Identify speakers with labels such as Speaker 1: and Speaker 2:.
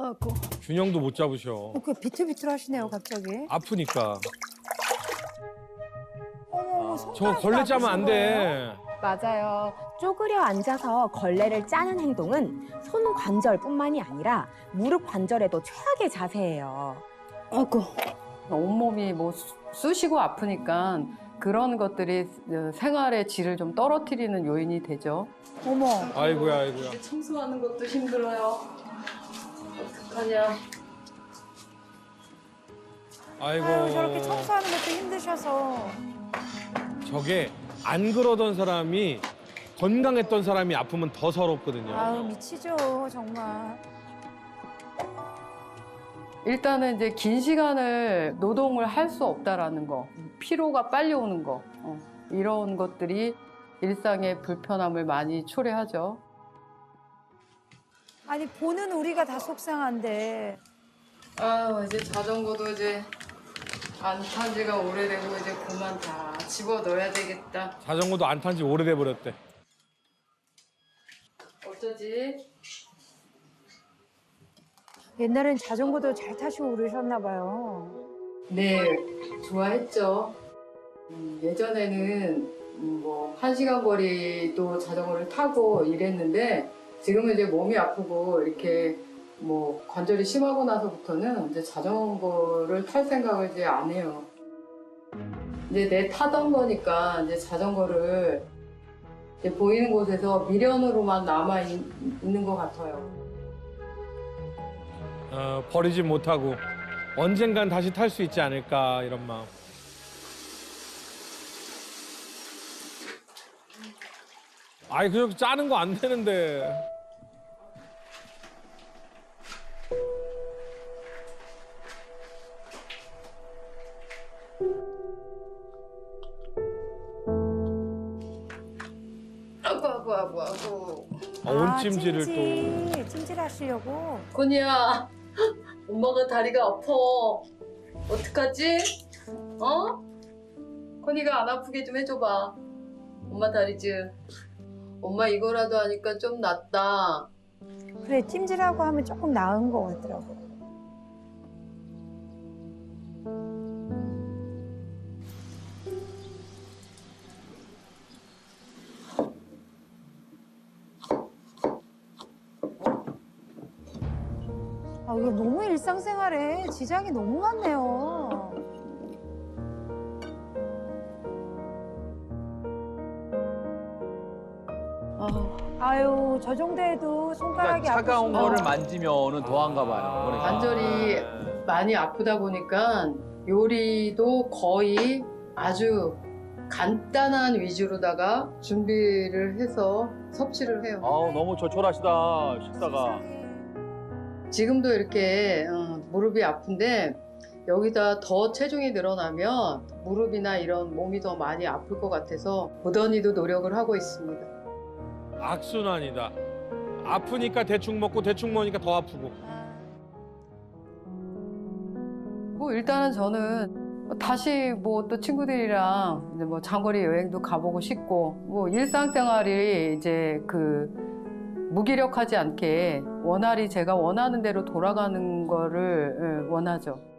Speaker 1: 아이고.
Speaker 2: 균형도 못 잡으셔.
Speaker 1: 그 비틀비틀하시네요, 갑자기.
Speaker 2: 아프니까.
Speaker 1: 어머,
Speaker 2: 저 걸레 짜면 안 돼.
Speaker 3: 맞아요. 쪼그려 앉아서 걸레를 짜는 행동은 손 관절뿐만이 아니라 무릎 관절에도 최악의 자세예요.
Speaker 1: 아이고.
Speaker 4: 온몸이 뭐 쑤시고 아프니까 그런 것들이 생활의 질을 좀 떨어뜨리는 요인이 되죠.
Speaker 1: 어머.
Speaker 2: 아이고야, 아이고야.
Speaker 4: 청소하는 것도 힘들어요. 어떡하냐.
Speaker 2: 아이고.
Speaker 1: 아유, 저렇게 청소하는 것도 힘드셔서.
Speaker 2: 저게 안 그러던 사람이 건강했던 사람이 아프면 더 서럽거든요.
Speaker 1: 아유, 미치죠, 정말.
Speaker 4: 일단은 이제 긴 시간을 노동을 할 수 없다라는 거, 피로가 빨리 오는 거, 이런 것들이 일상의 불편함을 많이 초래하죠.
Speaker 1: 아니, 보는 우리가 다 속상한데.
Speaker 4: 아, 이제 자전거도 이제 안 탄 지가 오래되고 이제 그만 다 집어 넣어야 되겠다.
Speaker 2: 자전거도 안 탄 지 오래돼 버렸대.
Speaker 4: 어쩌지?
Speaker 1: 옛날엔 자전거도 잘 타시고 그러셨나 봐요.
Speaker 4: 네, 좋아했죠. 예전에는 뭐 1시간 거리도 자전거를 타고 이랬는데 지금은 이제 몸이 아프고 이렇게 뭐 관절이 심하고 나서부터는 이제 자전거를 탈 생각을 이제 안 해요. 이제 내 타던 거니까 이제 자전거를 이제 보이는 곳에서 미련으로만 남아 있는 것 같아요.
Speaker 2: 버리지 못하고 언젠간 다시 탈 수 있지 않을까 이런 마음. 아이 그냥 짜는 거 안 되는데.
Speaker 4: 아고.
Speaker 2: 온찜질을 또.
Speaker 1: 찜질하시려고.
Speaker 4: 건이야, 엄마가 다리가 아파. 어떡하지? 어? 건이가 안 아프게 좀 해줘봐. 엄마 다리 좀. 엄마 이거라도 하니까 좀 낫다.
Speaker 1: 그래, 찜질하고 하면 조금 나은 것 같더라고. 아, 이거 너무 일상생활에 지장이 너무 많네요. 아유, 저 정도에도 손가락이
Speaker 5: 그러니까 차가운
Speaker 1: 아프시면
Speaker 5: 거를 만지면은 더한가 봐요. 그러니까.
Speaker 4: 관절이 많이 아프다 보니까 요리도 거의 아주 간단한 위주로다가 준비를 해서 섭취를 해요.
Speaker 5: 아우 너무 조촐하시다 식사가.
Speaker 4: 지금도 이렇게 무릎이 아픈데 여기다 더 체중이 늘어나면 무릎이나 이런 몸이 더 많이 아플 것 같아서 무던히도 노력을 하고 있습니다.
Speaker 2: 악순환이다. 아프니까 대충 먹고 대충 먹으니까 더 아프고.
Speaker 4: 뭐 일단은 저는 다시 뭐 또 친구들이랑 이제 뭐 장거리 여행도 가보고 싶고 뭐 일상생활이 이제 그 무기력하지 않게 원활히 제가 원하는 대로 돌아가는 거를 원하죠.